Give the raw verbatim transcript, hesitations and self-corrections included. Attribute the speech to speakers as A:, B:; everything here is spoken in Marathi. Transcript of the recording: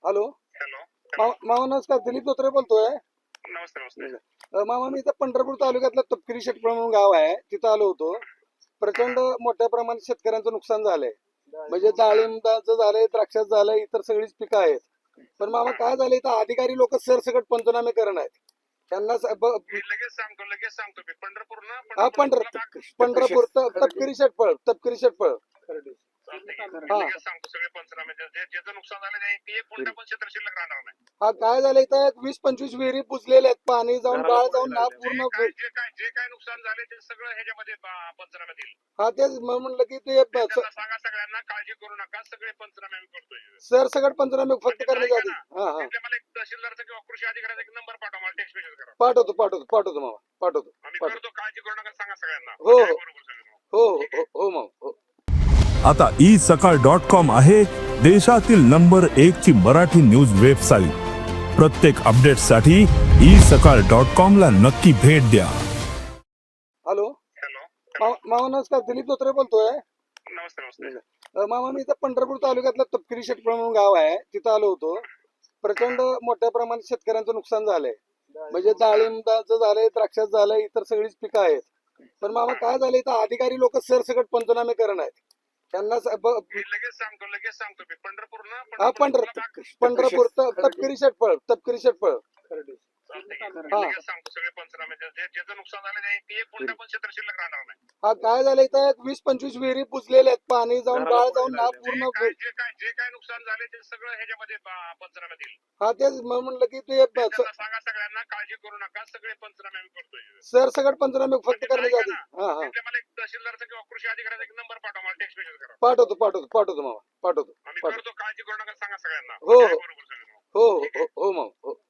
A: Hello
B: hello.
A: मा- मामा नमस्कार, दिलीप धोत्रे बोलतोय.
B: नमस्ते नमस्ते.
A: अ, मामा मी इथं पंढरपूर तालुक्यातलं तपकिरी शेटपळ म्हणून गाव आहे, तिथं आलो होतो. प्रचंड मोठ्या प्रमाणात शेतकऱ्यांचं नुकसान झालंय. म्हणजे डाळिंबाचं झालंय, द्राक्षाचं झालंय, इतर सगळीच पिकं आहेत. पण मामा काय झालंय, इथं अधिकारी लोक सरसकट पंचनामे करत आहेत. त्यांना स- ब-
B: मी लगेच सांगतो लगेच सांगतो मी पंढरपूर ना
A: हा पंढर पंढरपूर त- तपकिरी शेटपळ तपकिरी शेटपळ हा.
B: लगेच सांगतो सगळे पंचनामे जे- जे- ज्याचं नुकसान झालं नाही ते एक कोणत्या पण क्षेत्र शिल्लक राहणार नाही.
A: हा काय झालंय, इथं वीस पंचवीस विहिरी बुजलेल्या आहेत, पाणी जाऊन गाळ जाऊन ना
B: जे
A: पूर्ण.
B: काय जे काय जे काय नुकसान झाले ते सगळं ह्याच्यामध्ये प- पंचनामे देईल.
A: हा तेच म- म्हणलं की ते ब- स-
B: त्यांना सांगा सगळ्यांना काळजी करू नका, सगळे पंचनामे आम्ही करतोय.
A: सरसकट पंचनामे फक्त
B: म्हणजे
A: करण्याच्या
B: ऐका
A: आधी.
B: ना,
A: हा हा
B: तिथल्या मला एक तहसीलदारचा किंवा कृषी अधिकाऱ्याचा एक नंबर पाठवा, मला टेक्स्ट मेसेज करा.
A: पाठवतो पाठवतो पाठवतो मामा पाठवतो
B: आम्ही
A: पाठवतो.
B: करतो, काळजी करू नका, सांगा सगळ्यांना.
A: हो,
B: म्हणजे
A: हो.
B: बरोबर सगळं.
A: हो हो हो हो मामा हो.
C: आता ई सकाळ डॉट कॉम आहे देशातील नंबर एक ची मराठी न्यूज वेबसाईट. प्रत्येक अपडेटसाठी ई सकाळ डॉट कॉम ला नक्की भेट द्या.
A: Hello
B: hello.
A: मा- मामा नमस्कार, दिलीप धोत्रे बोलतोय.
B: नमस्ते नमस्ते.
A: अ, मामा मी इथं पंढरपूर तालुक्यातलं तपकिरी शेटपळ म्हणून गाव आहे, तिथं आलो होतो. प्रचंड मोठ्या प्रमाणात शेतकऱ्यांचं नुकसान झालंय. म्हणजे डाळिंबाचं झालंय, द्राक्षाचं झालंय, इतर सगळीच पिकं आहेत. पण मामा काय झालंय, इथं अधिकारी लोक सरसकट पंचनामे करत आहेत. त्यांना स- ब-
B: मी लगेच सांगतो लगेच सांगतो मी पंढरपूर ना
A: हा पंढर पंढरपूर त- तपकिरी शेटपळ तपकिरी शेटपळ हा.
B: लगेच सांगतो सगळे पंचनामे जे- जे- ज्याचं नुकसान झालं नाही ते एक कोणत्या पण क्षेत्र शिल्लक राहणार नाही.
A: हा काय झालंय, इथं वीस पंचवीस विहिरी बुजलेल्या आहेत, पाणी जाऊन गाळ जाऊन ना
B: जे
A: पूर्ण.
B: काय जे काय जे काय नुकसान झाले ते सगळं ह्याच्यामध्ये प- पंचनामे देईल.
A: हा तेच म- म्हणलं की ते ब- स-
B: त्यांना सांगा सगळ्यांना काळजी करू नका, सगळे पंचनामे आम्ही करतोय.
A: सरसकट पंचनामे फक्त
B: म्हणजे
A: करण्याच्या
B: ऐका
A: आधी.
B: ना,
A: हा हा
B: तिथल्या मला एक तहसीलदारचा किंवा कृषी अधिकाऱ्याचा एक नंबर पाठवा, मला टेक्स्ट मेसेज करा.
A: पाठवतो पाठवतो पाठवतो मामा पाठवतो
B: आम्ही
A: पाठवतो.
B: करतो, काळजी करू नका, सांगा सगळ्यांना.
A: हो,
B: म्हणजे
A: हो.
B: बरोबर सगळं.
A: हो हो हो हो मामा हो.